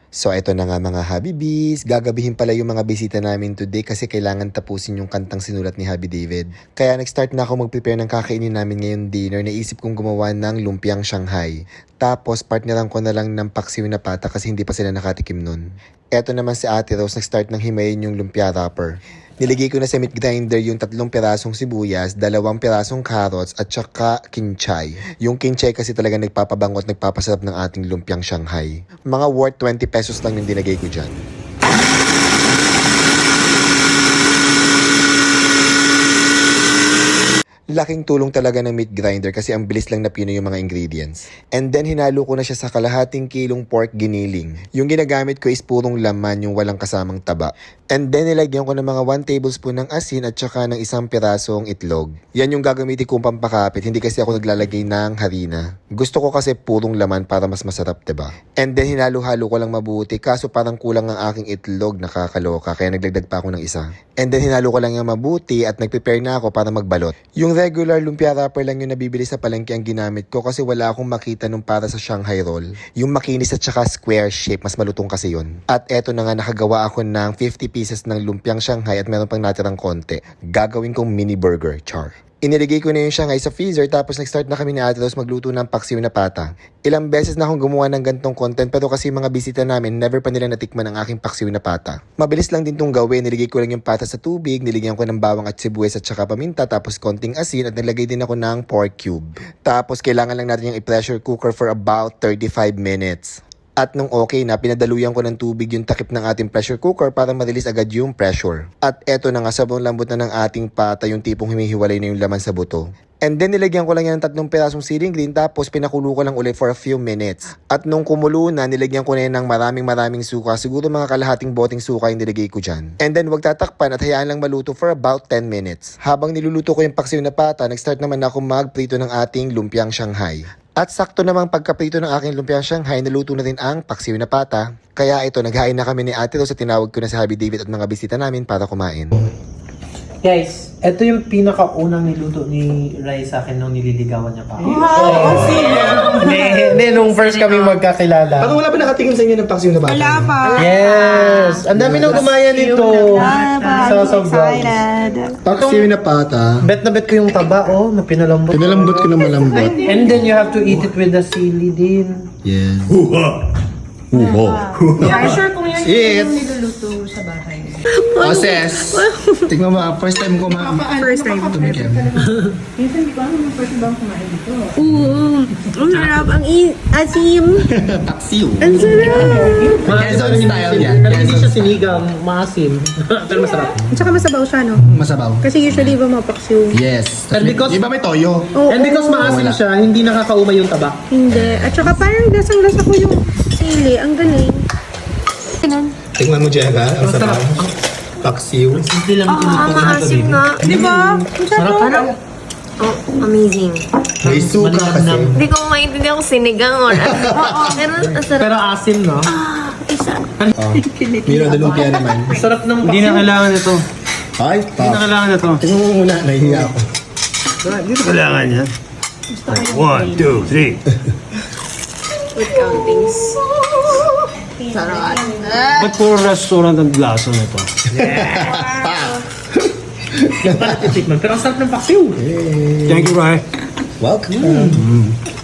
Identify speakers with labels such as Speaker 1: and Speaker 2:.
Speaker 1: So eto na nga mga Habibis, gagabihin pala yung mga bisita namin today kasi kailangan tapusin yung kantang sinulat ni Habi David. Kaya nag-start na ako mag-prepare ng kakainin namin ngayong dinner. Naisip kong gumawa ng lumpiang Shanghai. Tapos partneran ko na lang ng paksiw na pata kasi hindi pa sila nakatikim nun. Eto naman si Ate Rose, nag-start ng himayin yung lumpia wrapper. Niligay ko na sa meat grinder yung 3 pirasong sibuyas, 2 pirasong carrots at saka kinchay. Yung kinchay kasi talaga nagpapabango at nagpapasarap ng ating lumpiang Shanghai. Mga worth 20 pesos lang yung dinagay ko dyan. Laking tulong talaga ng meat grinder kasi ang bilis lang na pinoy yung mga ingredients. And then hinalo ko na siya sa kalahating kilong pork giniling. Yung ginagamit ko is purong laman, yung walang kasamang taba. And then nilagyan ko ng mga 1 tablespoon ng asin at saka ng 1 pirasong itlog. Yan yung gagamitin kong pampakapit, hindi kasi ako naglalagay ng harina. Gusto ko kasi purong laman para mas masarap, diba? And then hinalo-halo ko lang mabuti, kaso parang kulang ang aking itlog, nakakaloka, kaya nagdagdag pa ako ng isa. And then hinalo ko lang yung mabuti at nag-prepare na ako para magbalot. Yung regular lumpia wrapper lang yung nabibili sa palengke ang ginamit ko kasi wala akong makita nung para sa Shanghai roll. Yung makinis at saka square shape, mas malutong kasi yun. At eto na nga, nakagawa ako ng 50 pieces ng lumpiang Shanghai at meron pang natirang konti. Gagawin kong mini burger, char. Iniligay ko na yung Shanghai sa freezer tapos nag-start na kami ni Ate Rose magluto ng paksiw na pata. Ilang beses na akong gumawa ng gantong content pero kasi mga bisita namin never pa nila natikman ang aking paksiw na pata. Mabilis lang din tong gawin, niligay ko lang yung pata sa tubig, niligyan ko ng bawang at sibuyas at saka paminta tapos konting asin at naglagay din ako ng pork cube. Tapos kailangan lang natin yung i-pressure cooker for about 35 minutes. At nung okay na, pinadaluyan ko ng tubig yung takip ng ating pressure cooker para ma-release agad yung pressure. At eto na nga, sobrang lambot na ng ating pata, yung tipong humihiwalay na yung laman sa buto. And then nilagyan ko lang yan ng 3 pirasong siling green tapos pinakulo ko lang ulit for a few minutes. At nung kumulo na, nilagyan ko na yan ng maraming suka. Siguro mga kalahating boteng suka yung nilagay ko dyan. And then wag tatakpan at hayaan lang maluto for about 10 minutes. Habang niluluto ko yung paksiw na pata, nag-start naman ako magprito ng ating lumpiang Shanghai. At sakto namang pagkaprito ng aking lumpiang Shanghai, naluto na rin ang paksiw na pata. Kaya ito, naghain na kami ni Ate Rose at tinawag ko na si Habi David at mga bisita namin para kumain.
Speaker 2: Guys, ito yung pinakaunang niluto ni Rai sa akin nung nililigawan niya pa.
Speaker 3: Wow!
Speaker 2: Hindi, nung first kami magkakilala.
Speaker 1: Parang wala pa nakatingin sa inyo ng paksiw na pata?
Speaker 3: Wala pa.
Speaker 2: Yes! Ang dami nang gumaya nito. So
Speaker 3: excited.
Speaker 1: Paksiw na pata.
Speaker 2: Bet na bet ko yung taba, oh, na pinalambot.
Speaker 1: Pinalambot ko na malambot.
Speaker 2: And then you have to eat it with the sili din.
Speaker 1: Yes.
Speaker 3: Sure kung yan
Speaker 1: Eat!
Speaker 3: yung niluluto sa bahay.
Speaker 1: Oses! Tingnan mo, first time ko
Speaker 3: First time.
Speaker 1: tumikim.
Speaker 3: Minsan di ko alam yung first bang kumain dito.
Speaker 4: Oo. Ang sarap. Ang asim.
Speaker 1: Paksiw.
Speaker 4: Ang sarap.
Speaker 1: Quezon style yan.
Speaker 2: Pero hindi siya sinigang, maasim. Pero masarap.
Speaker 4: At saka masabaw siya, no?
Speaker 1: Masabaw.
Speaker 4: Kasi usually iba mapaksiw.
Speaker 1: Yes.
Speaker 2: And because-
Speaker 1: Di ba may toyo?
Speaker 4: Oo.
Speaker 2: And because maasim
Speaker 1: Wala.
Speaker 2: siya, hindi nakakaumay yung taba.
Speaker 4: Hindi. At saka parang lasang-lasa ko yung sili. Ang galing. Ganun.
Speaker 1: Tingnan mo, Jega. Ang sarap. Paksiw.
Speaker 2: Hindi lang
Speaker 4: Maasim nga. Di ba?
Speaker 2: Sarap, ano?
Speaker 4: Oh, amazing.
Speaker 1: May suka kasi.
Speaker 4: Hindi ko maintindihan kung sinigang or ano. Pero ang sarap.
Speaker 2: Pero asim, no?
Speaker 4: Isa.
Speaker 1: Miro de lumpia naman.
Speaker 2: Sarap ng Hindi na kailangan ito.
Speaker 1: Ay,
Speaker 2: Hindi na
Speaker 1: top.
Speaker 2: kailangan ito.
Speaker 1: Tingnan mo muna, nahihiya ako.
Speaker 2: Dito kailangan yan. 1, 2, 3.
Speaker 4: With countings. Sarap.
Speaker 2: Ba't puro restaurant ang lasa nito? Hindi pa natitikman, pero ang sarap ng paksiw. Thank you, Rai.
Speaker 1: Welcome.